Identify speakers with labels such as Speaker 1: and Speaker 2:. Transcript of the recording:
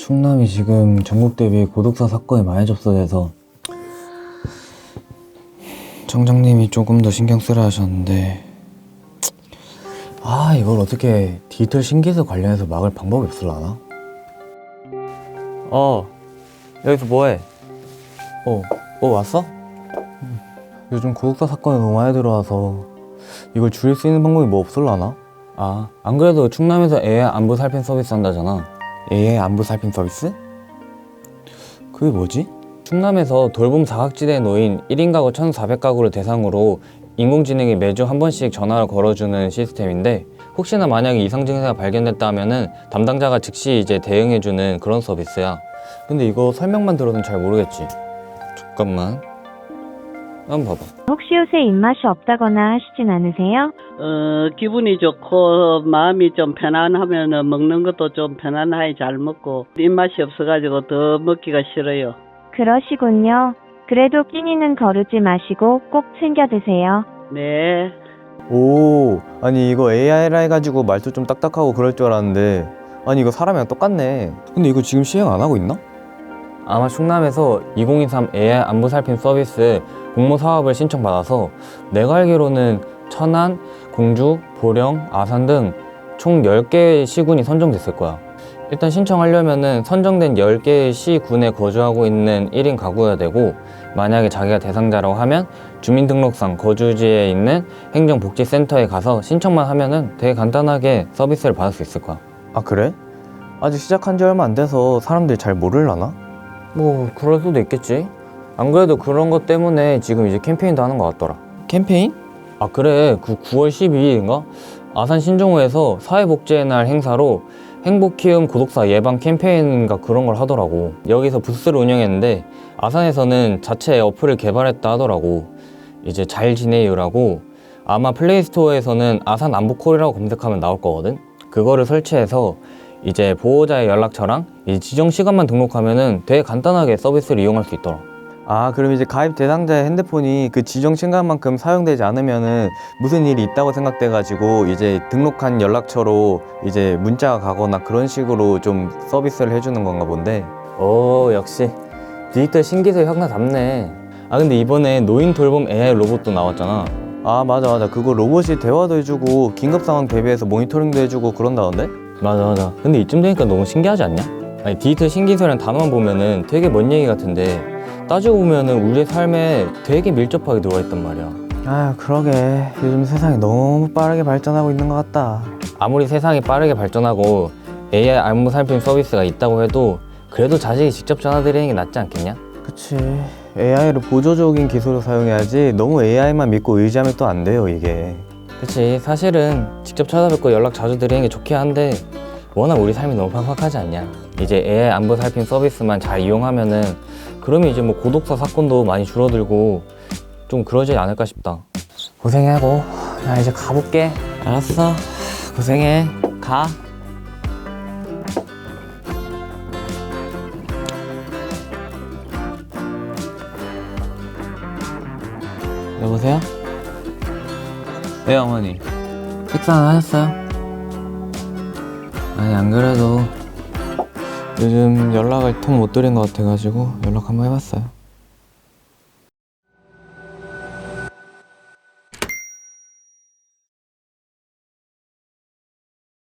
Speaker 1: 충남이 지금 전국 대비 고독사 사건이 많이 접수돼서 청장님이 조금 더 신경 쓰라 하셨는데, 이걸 어떻게 디지털 신기술 관련해서 막을 방법이 없을라나? 여기서 뭐해? 왔어? 요즘 고독사 사건이 너무 많이 들어와서 이걸 줄일 수 있는 방법이 뭐 없을라나? 안 그래도 충남에서 AI 안부 살핀 서비스 한다잖아. AI 안부 살핀 서비스? 그게 뭐지? 충남에서 돌봄 사각지대에 놓인 1인 가구 1,400가구를 대상으로 인공지능이 매주 한 번씩 전화를 걸어주는 시스템인데, 혹시나 만약에 이상 증세가 발견됐다 하면은 담당자가 즉시 이제 대응해주는 그런 서비스야. 근데 이거 설명만 들어도 잘 모르겠지. 잠깐만, 한번 봐봐.
Speaker 2: 혹시 요새 입맛이 없다거나 하시진 않으세요?
Speaker 3: 기분이 좋고 마음이 좀 편안하면 먹는 것도 좀 편안하게 잘 먹고, 입맛이 없어가지고 더 먹기가 싫어요.
Speaker 2: 그러시군요. 그래도 끼니는 거르지 마시고 꼭 챙겨 드세요.
Speaker 3: 네.
Speaker 1: 아니 이거 AI라 해가지고 말도 좀 딱딱하고 그럴 줄 알았는데, 아니 이거 사람이랑 똑같네. 근데 이거 지금 시행 안 하고 있나? 아마 충남에서 2023 AI 안부 살핌 서비스 공모 사업을 신청받아서, 내가 알기로는 천안, 공주, 보령, 아산 등 총 10개의 시군이 선정됐을 거야. 일단 신청하려면은 선정된 10개의 시군에 거주하고 있는 1인 가구여야 되고, 만약에 자기가 대상자라고 하면 주민등록상 거주지에 있는 행정복지센터에 가서 신청만 하면은 되게 간단하게 서비스를 받을 수 있을 거야. 그래? 아직 시작한 지 얼마 안 돼서 사람들이 잘 모르려나? 뭐 그럴 수도 있겠지. 안 그래도 그런 것 때문에 지금 이제 캠페인도 하는 것 같더라. 캠페인? 그래. 그 9월 12일인가? 아산 신정호에서 사회복지의 날 행사로 행복키움 고독사 예방 캠페인인가 그런 걸 하더라고. 여기서 부스를 운영했는데, 아산에서는 자체 어플을 개발했다 하더라고. 이제 잘 지내요라고. 아마 플레이스토어에서는 아산 안부콜이라고 검색하면 나올 거거든. 그거를 설치해서 이제 보호자의 연락처랑 이 지정 시간만 등록하면은 되게 간단하게 서비스를 이용할 수 있더라. 그럼 이제 가입 대상자의 핸드폰이 그 지정 시간만큼 사용되지 않으면은 무슨 일이 있다고 생각돼가지고 이제 등록한 연락처로 이제 문자가 가거나 그런 식으로 좀 서비스를 해주는 건가 본데. 역시 디지털 신기술 혁나답네. 근데 이번에 노인 돌봄 AI 로봇도 나왔잖아. 맞아. 그거 로봇이 대화도 해주고 긴급 상황 대비해서 모니터링도 해주고 그런다던데? 맞아. 근데 이쯤 되니까 너무 신기하지 않냐? 디지털 신기술이란 단어만 보면은 되게 먼 얘기 같은데, 따지고 보면은 우리의 삶에 되게 밀접하게 들어와 있단 말이야. 그러게. 요즘 세상이 너무 빠르게 발전하고 있는 것 같다. 아무리 세상이 빠르게 발전하고 AI 안부 살핌 서비스가 있다고 해도 그래도 자식이 직접 전화 드리는 게 낫지 않겠냐? 그치. AI를 보조적인 기술을 사용해야지 너무 AI만 믿고 의지하면 또 안 돼요, 이게. 그치. 사실은 직접 찾아뵙고 연락 자주 드리는 게 좋긴 한데, 워낙 우리 삶이 너무 팍팍하지 않냐. 이제 AI 안부 살핌 서비스만 잘 이용하면은, 그러면 이제 뭐 고독사 사건도 많이 줄어들고 좀 그러지 않을까 싶다. 고생하고 나 이제 가볼게. 알았어. 고생해. 가. 여보세요? 네, 어머니. 식사는 하셨어요? 안 그래도 요즘 연락을 통 못 드린 것 같아가지고 연락 한번 해봤어요.